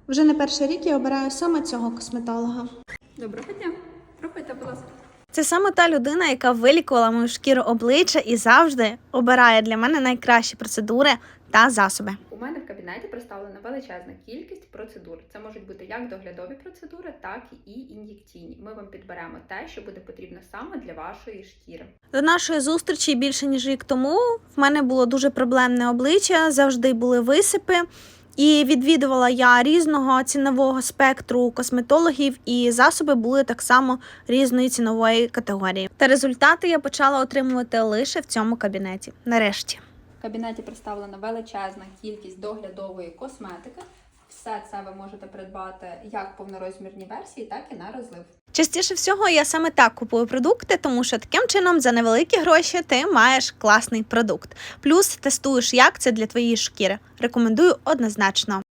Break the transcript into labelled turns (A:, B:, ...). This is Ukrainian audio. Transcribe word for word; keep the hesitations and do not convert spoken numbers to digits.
A: Вже не перший рік я обираю саме цього косметолога.
B: Доброго дня. Проходьте, будь ласка.
A: Це саме та людина, яка вилікувала мою шкіру обличчя і завжди обирає для мене найкращі процедури та засоби.
B: У мене в кабінеті представлена величезна кількість процедур. Це можуть бути як доглядові процедури, так і ін'єкційні. Ми вам підберемо те, що буде потрібно саме для вашої шкіри.
A: До нашої зустрічі більше ніж рік тому в мене було дуже проблемне обличчя, завжди були висипи. І відвідувала я різного цінового спектру косметологів, і засоби були так само різної цінової категорії. Та результати я почала отримувати лише в цьому кабінеті. Нарешті.
B: В кабінеті представлена величезна кількість доглядової косметики. Все це ви можете придбати як в повнорозмірній версії, так і на розлив.
A: Частіше всього я саме так купую продукти, тому що таким чином за невеликі гроші ти маєш класний продукт. Плюс тестуєш, як це для твоєї шкіри. Рекомендую однозначно.